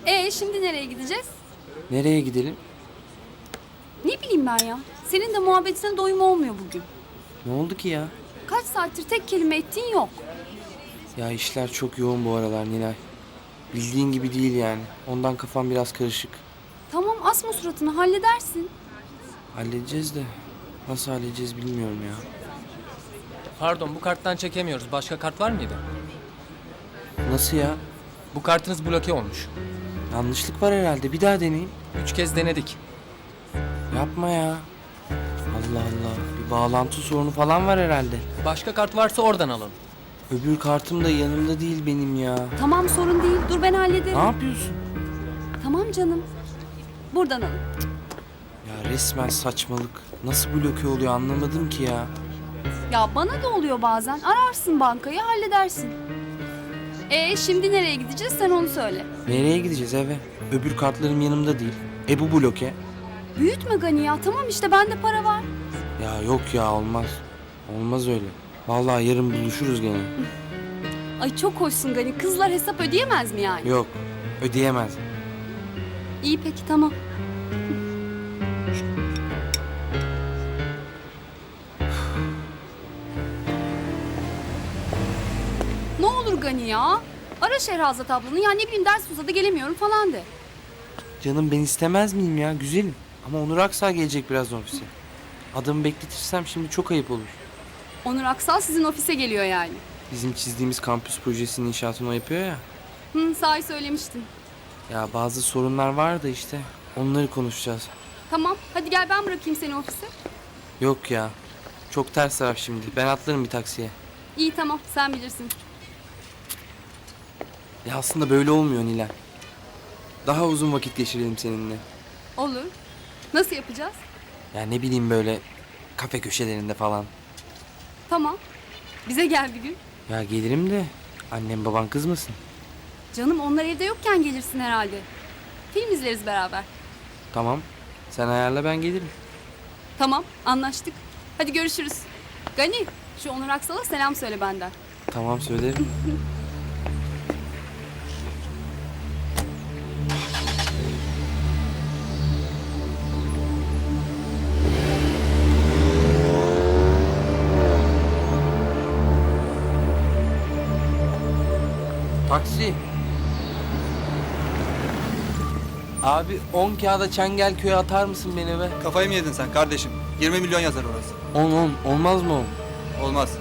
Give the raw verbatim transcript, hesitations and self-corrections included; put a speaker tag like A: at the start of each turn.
A: Ee şimdi nereye gideceğiz?
B: Nereye gidelim?
A: Ne bileyim ben ya. Senin de muhabbetine doyum olmuyor bugün.
B: Ne oldu ki ya?
A: Kaç saattir tek kelime ettiğin yok.
B: Ya işler çok yoğun bu aralar Nilay. Bildiğin gibi değil yani. Ondan kafam biraz karışık.
A: Tamam asma suratını halledersin.
B: Halledeceğiz de nasıl halledeceğiz bilmiyorum ya.
C: Pardon, bu karttan çekemiyoruz. Başka kart var mıydı?
B: Nasıl ya?
C: Bu kartınız bloke olmuş.
B: Yanlışlık var herhalde. Bir daha deneyeyim.
C: Üç kez denedik.
B: Yapma ya. Allah Allah. Bir bağlantı sorunu falan var herhalde.
C: Başka kart varsa oradan alın.
B: Öbür kartım da yanımda değil benim ya.
A: Tamam sorun değil. Dur ben hallederim.
B: Ne yapıyorsun?
A: Tamam canım. Buradan alın.
B: Ya resmen saçmalık. Nasıl bloke oluyor anlamadım ki ya.
A: Ya bana da oluyor bazen. Ararsın bankayı halledersin. Ee şimdi nereye gideceğiz sen onu söyle.
B: Nereye gideceğiz eve? Öbür kartlarım yanımda değil. E bu bloke.
A: Büyütme Gani ya. Tamam işte bende para var.
B: Ya yok ya olmaz. Olmaz öyle. Vallahi yarın buluşuruz gene.
A: Ay çok hoşsun Gani. Kızlar hesap ödeyemez mi yani?
B: Yok. Ödeyemez.
A: İyi peki tamam. Ne olur Gani ya. Ara Şehrazat ablanı ya ne bileyim ders uzadı gelemiyorum falan de.
B: Canım ben istemez miyim ya güzelim. Ama Onur Aksal gelecek birazdan ofise. Adamı bekletirsem şimdi çok ayıp olur.
A: Onur Aksal sizin ofise geliyor yani.
B: Bizim çizdiğimiz kampüs projesinin inşaatını o yapıyor ya.
A: Hı sahi söylemiştin.
B: Ya bazı sorunlar var da işte. Onları konuşacağız.
A: Tamam hadi gel ben bırakayım seni ofise.
B: Yok ya. Çok ters taraf şimdi. Ben atlarım bir taksiye.
A: İyi tamam sen bilirsin.
B: Ya aslında böyle olmuyor Nilay. Daha uzun vakit geçirelim seninle.
A: Olur. Nasıl yapacağız?
B: Ya ne bileyim böyle kafe köşelerinde falan.
A: Tamam. Bize gel bir gün.
B: Ya gelirim de annem baban kızmasın.
A: Canım onlar evde yokken gelirsin herhalde. Film izleriz beraber.
B: Tamam. Sen ayarla ben gelirim.
A: Tamam anlaştık. Hadi görüşürüz. Gani şu Onur Aksal'a selam söyle benden.
B: Tamam söylerim. Taksi. Abi on kağıda Çengelköy'e atar mısın beni be?
D: Kafayı mı yedin sen kardeşim? yirmi milyon yazar orası.
B: On on olmaz mı on?
D: Olmaz.